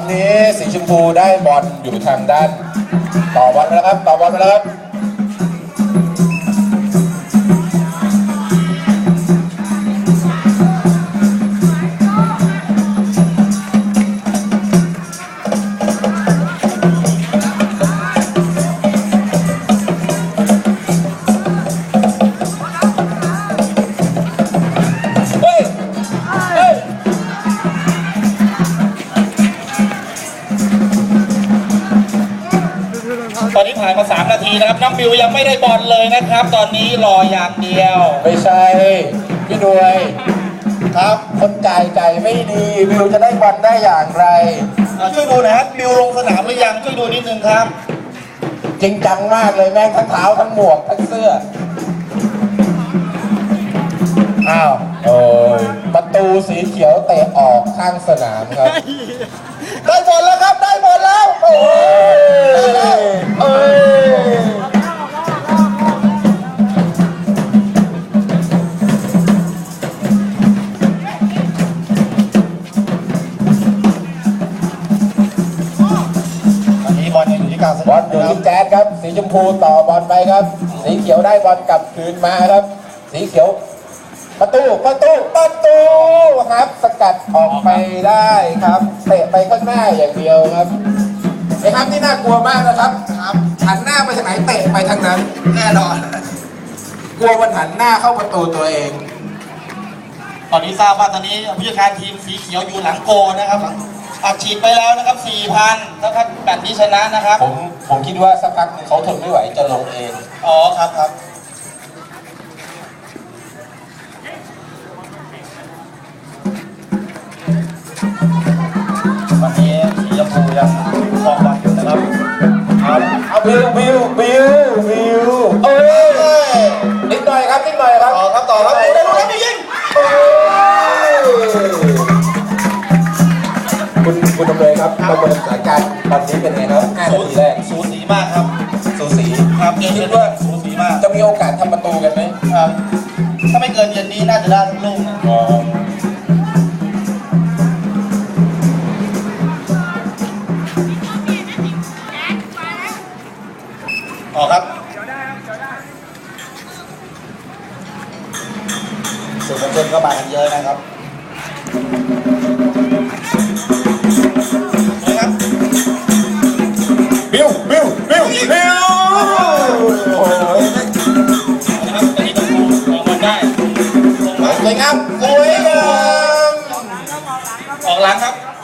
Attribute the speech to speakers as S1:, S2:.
S1: นี้สีชมพูได้บอลอยู่ทางด้านต่อบอลไปแล้วครับต่อบอลไปแล้วครับ
S2: ตอนนี้ผ่านมา3 นาทีนะครับน้องบิวยังไม่ได้บอลเลยนะครับตอนนี้รออย่างเดียว
S1: ไม่ใช่พี่ด้วยครับคนจ่ายไม่ดีบิวจะได้บอลได้อย่างไร
S2: ช่วยดูนะครับบิวลงสนามหรือยังช่วยดูนิดนึงครับ
S1: จริงจังมากเลยแม่งทั้งเท้าทั้งหมวกทั้งเสื้ออ้าวโอ้ยประตูสีเขียวเตะออกข้างสนามครับได้บอลแล้วครับได้บอลแล้วโอ้ยเอ้ย
S2: บอลยังอยู่ที่กลางสนาม
S1: บอลอยู่ที่แจ๊ดครับสีชมพูต่อบอลไปครับสีเขียวได้บอลกลับคืนมาครับสีเขียวประตูครับสกัดออกไปได้ครับเตะไปข้างหน้าอย่างเดียวครับไอ้ครับที่น่ากลัวมากนะครับหันหน้าไปทางไหนเตะไปทางนั้นแน่นอนกลัวมันหันหน้าเข้าประตูตัวเอง
S2: ตอนนี้ทราบว่าตอนนี้ผู้จัดการทีมสีเขียวอยู่หลังโกนะครับอัดฉีดไปแล้วนะครับ 4,000 ถ้าแบบนี้ชนะนะครับ
S1: ผมคิดว่าสักพักเขาทนไม่ไหวจะลงเอง
S2: อ๋อครับวันนี้สีชมพูยังครองบอลอยู่นะครับ
S1: เอาบิวเอ้ยนิดหน่อยครับ
S2: ต่อครับได้ลูกแล้วไม่ยิง
S1: คุณดำเนินครับประเมินสถานการณ์ตอนนี้เป็นไงครับ5 นาทีแรก
S2: สูสีมากครับ
S1: สูสี
S2: ครับคิดว่าสูสีมาก
S1: จะมีโอกาสทำประตูกันไหม
S2: ครับถ้าไม่เกินเย็นนี้น่าจะได้ทุกลูกออกครับสื่อมวลชนก็มากันเยอะนะครับ
S1: บิวโอ้ย
S2: นะครับตอนนี้ต้องออกมาได้
S1: สวยงาม
S2: ออกหลังครับ